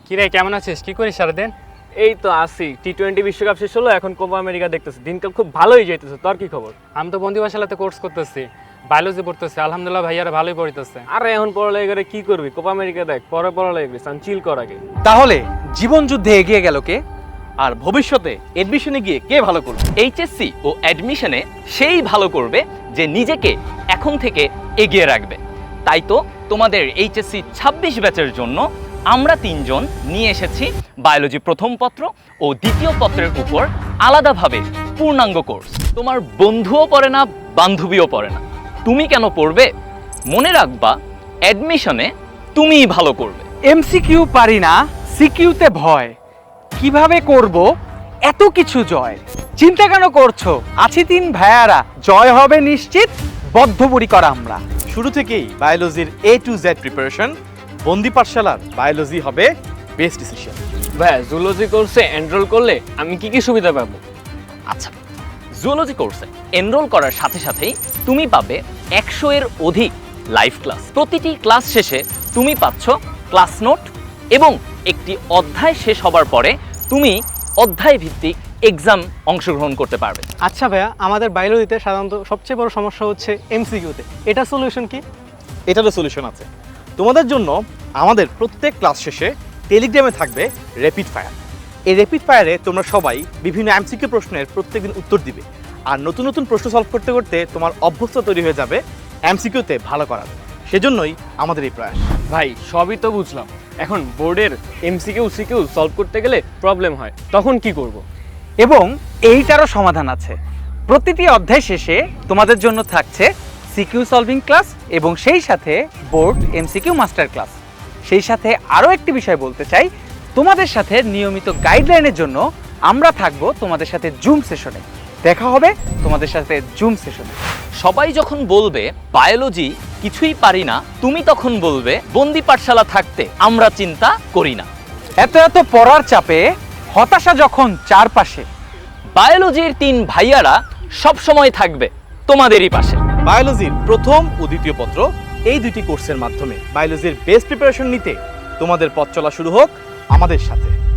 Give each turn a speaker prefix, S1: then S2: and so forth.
S1: কিরে কেমন আছিস? কি করিস সারাদিন?
S2: এই তো আসি, টি-20 বিশ্বকাপ শেষ হলো, এখন কোপা আমেরিকা দেখতেছি, দিনকাল খুব ভালোই যাইতেছে। তোর কি খবর?
S1: আমি তো বন্দিবাসালাতে কোর্স করতেছি, বায়োলজি পড়তেছি। আলহামদুলিল্লাহ ভাইয়ারা ভালোই পড়িতেছে।
S2: আরে এখন পড়ালেখা করে কি করবি? কোপা আমেরিকা দেখ, পরে পড়ালেখা করিস, চিল কর আগে।
S3: তাহলে জীবন যুদ্ধে এগিয়ে গেল কে, আর ভবিষ্যতে এডমিশনে গিয়ে কে ভালো করবে?
S4: এইচএসসি ও অ্যাডমিশনে সেই ভালো করবে যে নিজেকে এখন থেকে এগিয়ে রাখবে। তাই তো তোমাদের এইচএসসি 26 ব্যাচের জন্য আমরা 3 জন নিয়ে এসেছি বায়োলজি প্রথম পত্র ও দ্বিতীয় পত্রের উপর আলাদাভাবে পূর্ণাঙ্গ কোর্স। তোমার বন্ধুও পড়ে না, বান্ধবীও পড়ে না, তুমি কেন পড়বে? মনে রাখবা অ্যাডমিশনে তুমিই ভালো করবে।
S3: এমসিকিউ পারি না, সিকিউতে ভয়, কিভাবে করব এত কিছু জয়? চিন্তা কেন করছো? আছি 3 ভাইয়ারা, জয় হবে নিশ্চিত, বদ্ধপরিকর আমরা।
S5: শুরু থেকেই বায়োলজির A to Z preparation, Bondi পাঠশালার বায়োলজি হবে বেস্ট ডিসিশন।
S2: ভাই জুলজি কোর্সে এনরোল করলে আমি কি কি সুবিধা পাবো?
S4: আচ্ছা, জুলজি কোর্সে এনরোল করার সাথে সাথেই তুমি পাবে 100 এর অধিক লাইভ ক্লাস। প্রতিটি ক্লাস শেষে তুমি পাচ্ছ ক্লাস নোট এবং একটি অধ্যায় শেষ হবার পরে তুমি অধ্যায় ভিত্তিক এক্সাম অংশগ্রহণ করতে পারবে।
S6: আচ্ছা ভাইয়া, আমাদের বায়োলজিতে সাধারণত সবচেয়ে বড় সমস্যা হচ্ছে এমসিকিউতে, এটা সলিউশন কি?
S5: এটারও সলিউশন আছে। তোমাদের জন্য আমাদের প্রত্যেক ক্লাস শেষে টেলিগ্রামে থাকবে র্যাপিড ফায়ার। এই র্যাপিড ফায়ারে তোমরা সবাই বিভিন্ন এমসিকিউ প্রশ্নের প্রত্যেকদিন উত্তর দিবে, আর নতুন নতুন প্রশ্ন সলভ করতে করতে তোমার অভ্যস্ত তৈরি হয়ে যাবে এমসিকিউতে ভালো করার। সেজন্যই আমাদের এই প্রয়াস।
S2: ভাই সবই তো বুঝলাম, এখন বোর্ডের এমসিকিউ সিকিউ সলভ করতে গেলে প্রবলেম হয়, তখন কি করব?
S3: এবং এইটারও সমাধান আছে। প্রতিটি অধ্যায় শেষে তোমাদের জন্য থাকছে সিকিউ সলভিং ক্লাস এবং সেই সাথে বোর্ড এমসিকিউ মাস্টার ক্লাস। সেই সাথে আরও একটি বিষয় বলতে চাই, তোমাদের সাথে নিয়মিত গাইডলাইনের জন্য আমরা থাকবো তোমাদের সাথে জুম সেশনে। দেখা হবে তোমাদের সাথে জুম সেশনে।
S4: সবাই যখন বলবে বায়োলজি কিছুই পারি না, তুমি তখন বলবে বন্দি পাঠশালা থাকতে আমরা চিন্তা করি না।
S3: এত এত পড়ার চাপে হতাশা যখন চারপাশে,
S4: বায়োলজির 3 ভাইয়ারা সব সময় থাকবে তোমাদেরই পাশে।
S5: বায়োলজির প্রথম ও দ্বিতীয় পত্র এই দুটি কোর্সের মাধ্যমে বায়োলজির বেস্ট প্রিপারেশন নিতে তোমাদের পথ চলা শুরু হোক আমাদের সাথে।